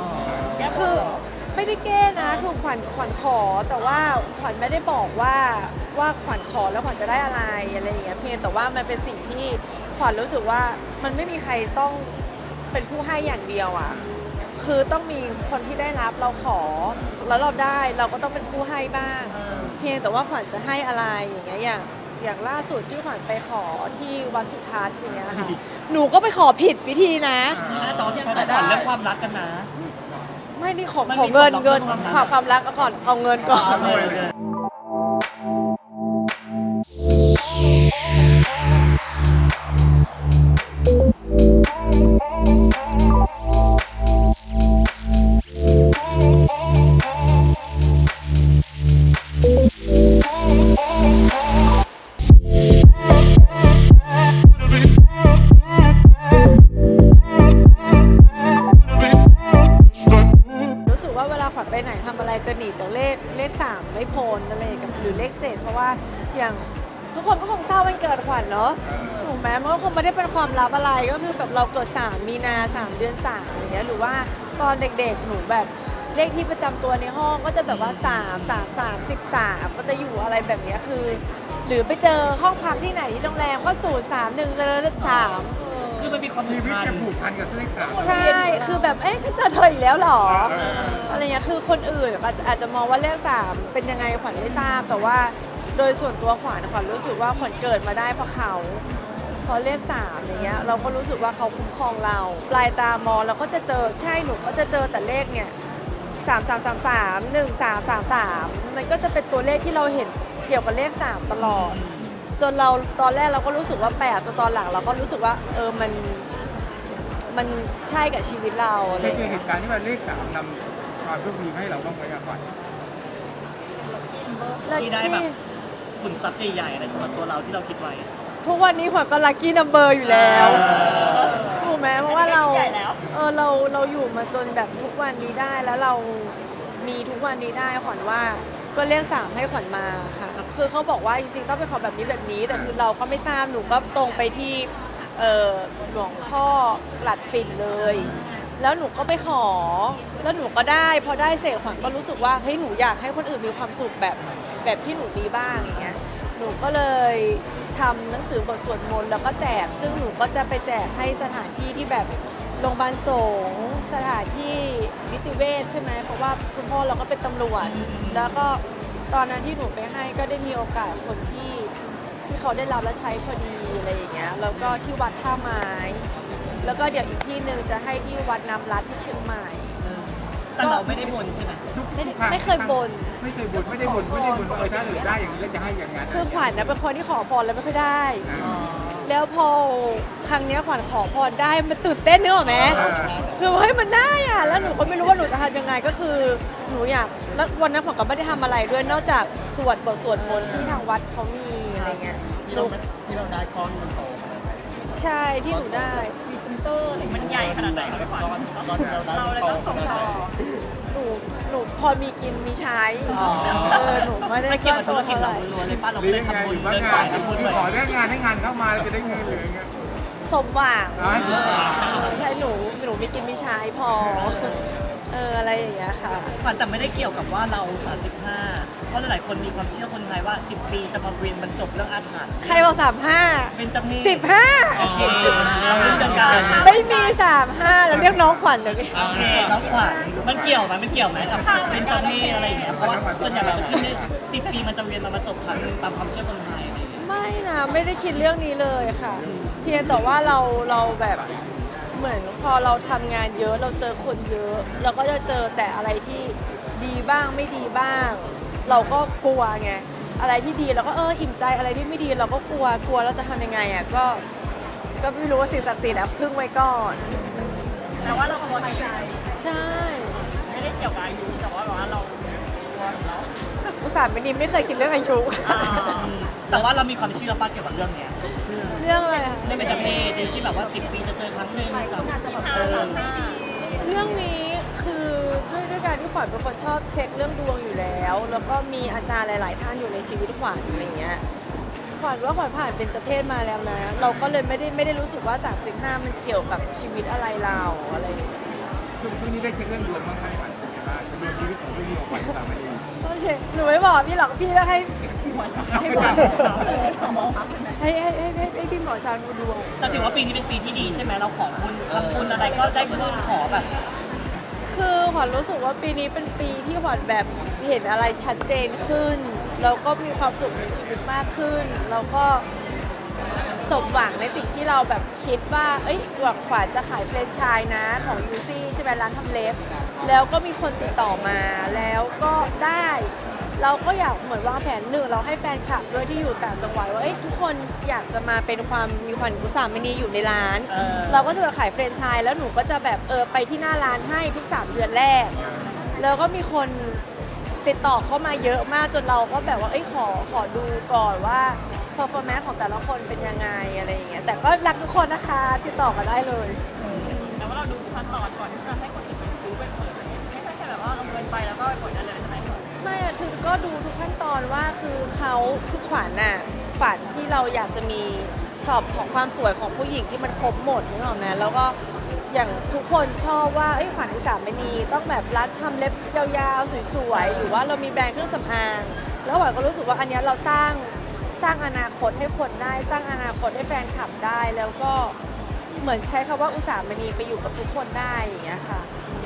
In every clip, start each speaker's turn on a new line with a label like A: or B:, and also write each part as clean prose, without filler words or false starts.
A: คือไม่ได้แก้นะคือขวัญขอแต่ว่าขวัญไม่ได้บอกว่าขวัญขอแล้วขวัญจะได้อะไรอย่างเงี้ยเพียงแต่ว่ามันเป็นสิ่งที่ขวัญรู้สึกว่ามันไม่มีใครต้องเป็นผู้ให้อย่างเดียวอ่ะคือต้องมีคนที่ได้รับเราขอแล้วเราได้เราก็ต้องเป็นผู้ให้บ้าง เพียงแต่ว่าขวัญจะให้อะไรอย่างเงี้ยอย่างล่าสุดที่ขวัญไปขอที่วัดสุทัศน์อย่างเงี้ยค่ะหนูก็ไปขอผิดวิธีนะ
B: ตอนที่เขาขอเรื่องความรักกันนะ
A: ไม่นี่ขอ
B: มันมี
A: เงิน
B: ความรัก
A: เงิน
B: ความรัก
A: ความรักก่อนเอาเงินก่อน รู้สึกว่าเวลาขวัญไปไหนทำอะไรจะหนีจากเลข3ไม่พ้นอะไรกับหรือเลข7เพราะว่าอย่างทุกคนก็คงทราบวันเกิดขวัญเนาะถูกไหมมันก็คงไม่ได้เป็นความลับอะไรก็คือแบบเราเกิด3 มีนา 3 เดือน 3อย่างเงี้ยหรือว่าตอนเด็กๆหนูแบบเลขที่ประจำตัวในห้องก็จะแบบว่า3 13 ก็จะอยู่อะไรแบบเนี้ยคือ หรือไปเจอห้องพักที่ไหนที่โรงแรมก็031 3
B: คือมันมีความ
C: ชีวิต
B: พัน
C: จะผูกพันกับเลขสาม
A: ใช่ คือแบบ ฉันเจอเธออีกแล้วเหรอ อะไรเงี้ย คือคนอื่นอาจจะมองว่าเลข3เป็นยังไงขวัญไม่ทราบ แต่ว่าโดยส่วนตัวขวัญรู้สึกว่าขวัญเกิดมาได้เพราะเขาเพราะเลข3อย่างเงี้ย เราก็รู้สึกว่าเขาคุ้มครองเรา ปลายตามองเราก็จะเจอ ใช่ หนูก็จะเจอแต่เลขเนี่ย3333 1333มันก็จะเป็นตัวเลขที่เราเห็นเกี่ยวกับเลข3ตลอด จนเราตอนแรกเราก็รู้สึกว่าแปลกจนตอนหลังเราก็รู้สึกว่ามันใช่กับชีวิตเราอะไร
C: เค
A: อย ย่าง
C: เจอ
A: เงี้ย
C: เหตุการณ์ที่ว่าเลขสามนำความโชคดีมาให้เราบ้างไหมอะขวัญ
B: ที่ได้แบบขุนทรัพย์ใหญ่ๆอะไรสำหรับตัวเราที่เราคิดไว้
A: ทุกวันนี้ขวัญก็ลัคกี้นัมเบอร์อยู่แล้วถูกไหมเพราะว่าเราอยู่มาจนแบบทุกวันนี้ได้แล้วเรามีทุกวันนี้ได้ขวัญว่าก็เรียก3ให้ขวัญมาค่ะคือเขาบอกว่าจริงๆต้องเป็นของแบบนี้แต่คือเราก็ไม่ทราบหนูก็ตรงไปที่หลวงพ่อหลัดฝิ่นเลย แล้วหนูก็ไปขอแล้วหนูก็ได้พอได้เสร็จขวัญก็รู้สึกว่าเฮ้ยหนูอยากให้คนอื่นมีความสุขแบบที่หนูมีบ้างอย่างเงี้ยหนูก็เลยทำหนังสือบทสวดมนต์แล้วก็แจกซึ่งหนูก็จะไปแจกให้สถานที่ที่แบบโรงพยาบาลสงฆ์สถานที่นิติเวชใช่ไหมเพราะว่าคุณพ่อเราก็เป็นตำรวจแล้วก็ตอนนั้นที่หนูไปให้ก็ได้มีโอกาสคนที่เขาได้รับและใช้พอดีอะไรอย่างเงี้ยแล้วก็ที่วัดท่าไม้แล้วก็เดี๋ยวอีกที่หนึ่งจะให้ที่วัดน้ำรัดที่เชียงใหม่
B: แต่เราไม่ได้บนใช่ไหม
A: ไม่เคยบ่น
C: ไม่เคยบ่นไม่ได้บ่นว่าถ้าเหลือได้อย่างนี้แล้วจะให้อย่างนั้น
A: คือขวัญนะเป็นคนที่ขอพรแล้วไม่ค่อยได้
B: อ๋อ
A: แล้วพอครั้งเนี้ยขวัญขอพรได้มันตื่นเต้นนึกออกไหมคือเฮ้ยมันได้อะแล้วหนูก็ไม่รู้ว่าหนูจะทำยังไงก็คือหนูอยากแล้ววันนั้นขวัญก็ไม่ได้ทำอะไรด้วยนอกจากสวดบทสวดมนต์ที่ทางวัดเขามีอะไรเงี้ยหนู
C: ที่เราได้ก้อนมันโตขนาดไหน
A: ใช่ที่หนูได้
D: พรีเซนเตอร์อะไรมันใหญ่ขนาดไหนครับพี่ขวัญเราเลยต้องส่งต่อ
A: หนูพอมีกินมีใช้
B: อ๋อ
A: หนูไม่ได้
B: ไม่เกี่ยวกับธุรกิจ
A: เท่าไห
B: เรา
A: ร่
B: ล้วนๆเลยป้าเรา
C: หรือ
B: เลย
C: ยังไง
B: ทำบุ
C: ห
B: ญ
C: รือว่า
B: เดิน
C: งา
B: สาน ยทำบุญ
C: คือ
B: เลย
C: ขอเรื่องงานให้งานเข้ามาจะได้เงินหรือยังไง
A: สมหวัง
C: อ๋อ
A: ใช่หนูมีกินมีใช้พออะไรอย่างเงี้ยค่ะ
B: ขวัญแต่ไม่ได้เกี่ยวกับว่าเรา 35 เพราะหลายๆคนมีความเชื่อคนไทยว่า 10 ปีจะมาเวียนบรรจบเรื่องอาถรรพ์
A: ใครบอก35
B: เป็นจเพศ
A: 15
B: โอเคเราเรื่องเดียวกัน
A: ไม่มี35แล้วเรียกน้องขวัญเดี๋ยวนี้
B: โอเคน้องขวัญมันเกี่ยวไหมกับเป็นจเพศอะไรอย่างเงี้ยเพราะว่าส่วนใหญ่มันจะขึ้นได้10 ปีมันจะเวียนมาบรรจบครั้งหนึ่งตามความเชื่อคนไทยอะไรอย่างเงี้ย
A: ไม่นะไม่ได้คิดเรื่องนี้เลยค่ะ เพียงแต่ว่าเราแบบเหมือนพอเราทำงานเยอะเราเจอคนเยอะ เราก็จะเจอแต่อะไรที่ดีบ้างไม่ดีบ้าง เราก็กลัวไงอะไรที่ดีเราก็อิ่มใจอะไรที่ไม่ดีเราก็กลัวเราจะทำยังไงอ่ะก็ไม่รู้ว่าสิ่งศักดิ์สิทธิ์พึ่งไว้ก่อน
D: แต่ว่าเราพอใจ
A: ใช่
D: ไม่ได้เกี่ยวกับอายุแต่ว่าแบบว่าเราตัวของเรา
A: อุตส่าห์ไม่เคยคิดเรื่องอายุ
B: แต่ว่าเรามีความเชื่อป้าเกี่ยวกับเรื่องเนี้ย
A: เรื่องอะไรคะ
B: เรื่องเป็นจเพศที่แบบว่า 10 ปีจะเจอครั้งหนึ่ง
D: หลายคนอาจจะแบบเจอไม่ดี
A: เรื่องนี้คือด้วยการที่ขวัญเป็นคนชอบเช็คเรื่องดวงอยู่แล้ว แล้วก็มีอาจารย์หลาย ๆ ท่านอยู่ในชีวิตขวัญอะไรเงี้ยขวัญว่าขวัญผ่านเป็นเจเพศมาแล้วนะ เราก็เลยไม่ได้รู้สึกว่า35มันเกี่ยวกับชีวิตอะไรเราอะไรอย่างเงี้ย
C: คือช่วงนี้ได้เช็คเรื่องดวงบ้างไหมขวัญเป็นไงบ้างดวงชีวิตของพี่ของขวัญสามณี
A: ก็เช็คหนูไม่บอกพี่หรอกพี่ก็ให้ให้หมอให้พี่หมอช้างดูดวง
B: แต่ถือว่าปีนี้เป็นปีที่ดีใช่ไหมเราขอบุญทำบุญอะไรก็ได้บุญขอแบบ
A: คือขวัญรู้สึกว่าปีนี้เป็นปีที่ขวัญแบบเห็นอะไรชัดเจนขึ้นแล้วก็มีความสุขในชีวิตมากขึ้นแล้วก็สมหวังในสิ่งที่เราแบบคิดว่าเอ้ยหวังขวัญจะขายแฟรนไชส์นะของยูซี่ใช่ไหมร้านทำเล็บแล้วก็มีคนติดต่อมาแล้วก็ได้ เราก็อยากเหมือนวางแผนหนึ่งเราให้แฟนคลับด้วยที่อยู่ต่างจังหวัดว่าเอ้ยทุกคนอยากจะมาเป็นความมีขวัญอุสามณีอยู่ในร้าน เราก็จะแบบขายแฟรนไชส์แล้วหนูก็จะแบบไปที่หน้าร้านให้ทุก3 เดือนแรก แล้วก็มีคนติดต่อเข้ามาเยอะมากจนเราก็แบบว่าเอ้ยขอดูก่อนว่า performance ของแต่ละคนเป็นยังไงอะไรอย่างเงี้ยแต่ก็รักทุกคนนะคะติดต่อมาได้เลย
D: แต่ว่าเราดูขั้นตอนก่อนที่จะให้คนอื่นรู้ไปเปิดไม่ใช่แค่แบบว่าเอาเงินไปแล้วก็ไปกดได้เลยใช่ไหม
A: ไม่อะคือก็ดูทุกขั้นตอนว่าคือเขาคือขวัญน่ะฝันที่เราอยากจะมีช็อปของความสวยของผู้หญิงที่มันครบหมดนึกออกไหมแล้วก็อย่างทุกคนชอบว่าเอ้ยขวัญอุสามณีต้องแบบร้านทำเล็บยาวๆสวยๆหรือว่าเรามีแบรนด์เครื่องสำอางแล้วขวัญก็รู้สึกว่าอันเนี้ยเราสร้างอนาคตให้คนได้สร้างอนาคตให้แฟนคลับได้แล้วก็เหมือนใช้คำว่าอุสามณีไปอยู่กับทุกคนได้อย่างเงี้ยค่ะ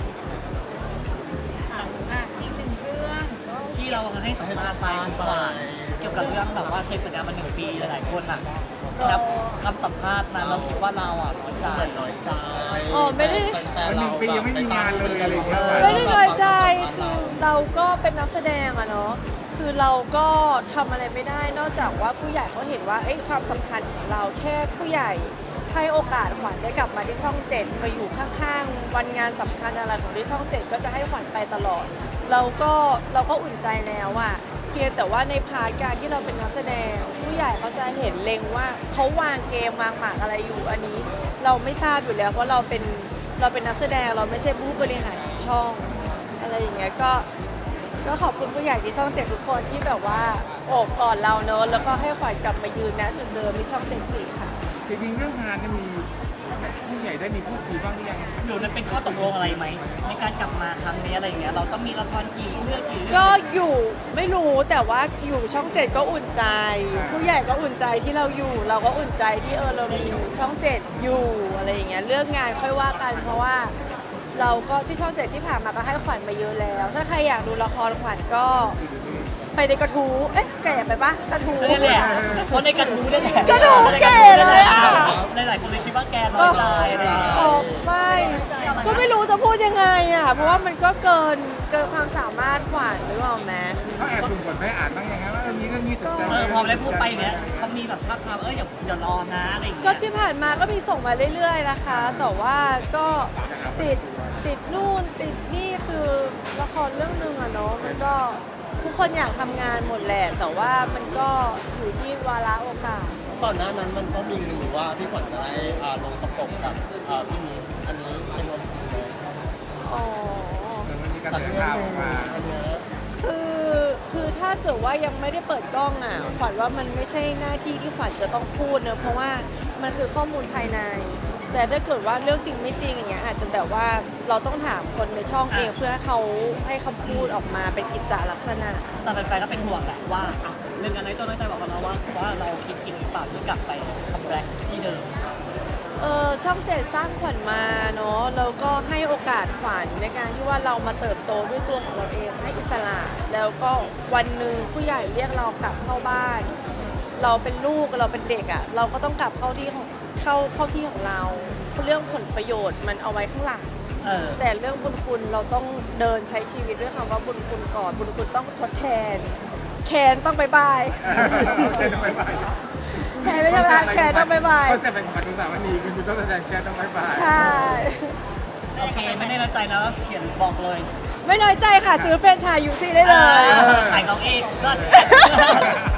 D: อีกหนึ่งเรื่องก็
B: ที่เราให้สัมภาษณ์ไปเมื่อวานเกี่ยวกับเรื่องแบบว่าเซ็นสัญญามา1 ปีหลายๆคนอ่ะครับคำสัมภาษณ์นั้นเราคิดว่าเราอ่ะน้อยใจ
A: อ๋อไม่ได้
C: มัน1 ปียังไม่มีงานเลยอะไรอย่างเงี้ย
A: ไม่ได้น้อยใจคือเราก็เป็นนักแสดงอะเนาะคือเราก็ทำอะไรไม่ได้นอกจากว่าผู้ใหญ่เขาเห็นว่าเอ้ยความสำคัญของเราแค่ผู้ใหญ่ให้โอกาสขวัญได้กลับมาที่ช่อง 7มาอยู่ข้างๆวันงานสำคัญอะไรของที่ช่อง 7ก็จะให้ขวัญไปตลอดเราก็อุ่นใจแล้วอะเพียงแต่ว่าในพาร์ทการที่เราเป็นนักแสดง ผู้ใหญ่เขาจะเห็นเล็งว่าเขาวางเกมวางหมากอะไรอยู่อันนี้ เราไม่ทราบอยู่แล้วเพราะเราเป็นนักแสดงเราไม่ใช่ผู้บริหารของช่องอะไรอย่างเงี้ยก็ขอบคุณผู้ใหญ่ที่ช่อง 7 ทุกคนที่แบบว่าโอบกอดเราเนอะแล้วก็ให้ขวัญกลับมายืนณจุดเดิมที่ช่อง 7 ค่ะ
C: จริงๆเรื่องงานเนี่ยมีผู้ใหญ่ได้มีพูดคุยบ้างหรือยัง
B: หรือมันเป็นข้อตกลงอะไรไหมในการกลับมาครั้งนี้อะไรอย่างเงี้ยเราต้องมีละครกี่เรื่อง
A: ก็อยู่ไม่รู้แต่ว่าอยู่ช่อง 7 ก็อุ่นใจ ผู้ใหญ่ก็อุ่นใจที่เราอยู่ เราก็อุ่นใจที่เรามีช่อง 7 อยู่อะไรอย่างเงี้ยเรื่องงานค่อยว่ากันเพราะว่าเราก็ที่ช่อง 7 ที่ผ่านมาก็ให้ขวัญมาเยอะแล้ว ถ้าใครอยากดูละครขวัญก็ไปในกระทู้แก่ไปปะกระทู้
B: นี่แหละเพราะในกระทู้นี่แหละ
A: กระทู้แก่เลยอะ
B: หลายๆคนเลยคิดว่าแกน้อยใจอะไรอย่างเงี้ย
A: ออกไม่ก็ไม่รู้จะพูดยังไงอ่ะเพราะว่ามันก็เกินความสามารถขวัญหรือเปล่าแม่
C: เขาแอบสุ่มกดไปอ่านบ้างยังไงว่ามีเรื่องนี้สนใจ
B: พอได้พูดไปเนี้ยเขามีแบบภาพทามอย่ารอนะอะไรอย่าง
A: ก็
B: เงี้ย
A: ที่ผ่านมาก็มีส่งมาเรื่อยๆนะคะแต่ว่าก็ติดนู่นติดนี่คือละครเรื่องหนึ่งอะเนาะมันก็ทุกคนอยากทำงานหมดแหละแต่ว่ามันก็อยู่ที่วาระโอกาส
E: ก่อนหน้านั้นมันก็มีลือว่าพี่ขวัญจะได้ลงประกบกับพี่มีอันนี้เป็นวันจริงเลย
A: อ๋อ
C: แต่มันมีกระแสข่าวออกมา
E: อันเนี้ย
A: คือถ้าเกิดว่ายังไม่ได้เปิดกล้องอ่ะขวัญว่ามันไม่ใช่หน้าที่ที่ขวัญจะต้องพูดเนอะเพราะว่ามันคือข้อมูลภายใน แต่ถ้าเกิดว่าเรื่องจริงไม่จริงอย่างเงี้ยอาจจะแบบว่าเราต้องถามคนในช่องเองเพื่อให้เขาให้คำพูดออกมาเป็นกิจจาลักษณะ
B: แต่แฟนๆก็เป็นห่วงแหละว่าเรื่องอะไรตัวน้อยใจบอกกับเราว่าเราคิดกินหรือเปล่าที่กลับไปคัมแบ็กที่เดิม
A: ช่อง 7 สร้างขวัญมาเนาะแล้วก็ให้โอกาสขวัญในการที่ว่าเรามาเติบโตด้วยตัวของเราเองให้อิสระแล้วก็วันหนึ่งผู้ใหญ่เรียกเรากลับเข้าบ้าน เราเป็นลูกเราเป็นเด็กอะ่ะเราก็ต้องกลับเข้าที่ของเราเรื่องผลประโยชน์มันเอาไว้ข้างหลัง แต่เรื่องบุญคุณเราต้องเดินใช้ชีวิตด้วยคำว่าบุญคุณก่อนบุญคุณต้องทดแทนแคนต้องบายบาย
C: แกต้องไปใส่
A: แคนไม่ใช่ไหมแคนต้องบายบาย
C: ก็จะเป็นของปัจจุบันวันนี้คุณต้องแสดงแกต้องไปบ่าย
A: ใช่
B: โอเคไม่ได้น้อยใจนะเขียนบอกเลย
A: ไม่น้อยใจค่ะซื้อแฟรนไชส์ยูซี่ได้เลย
B: ขายของเองก็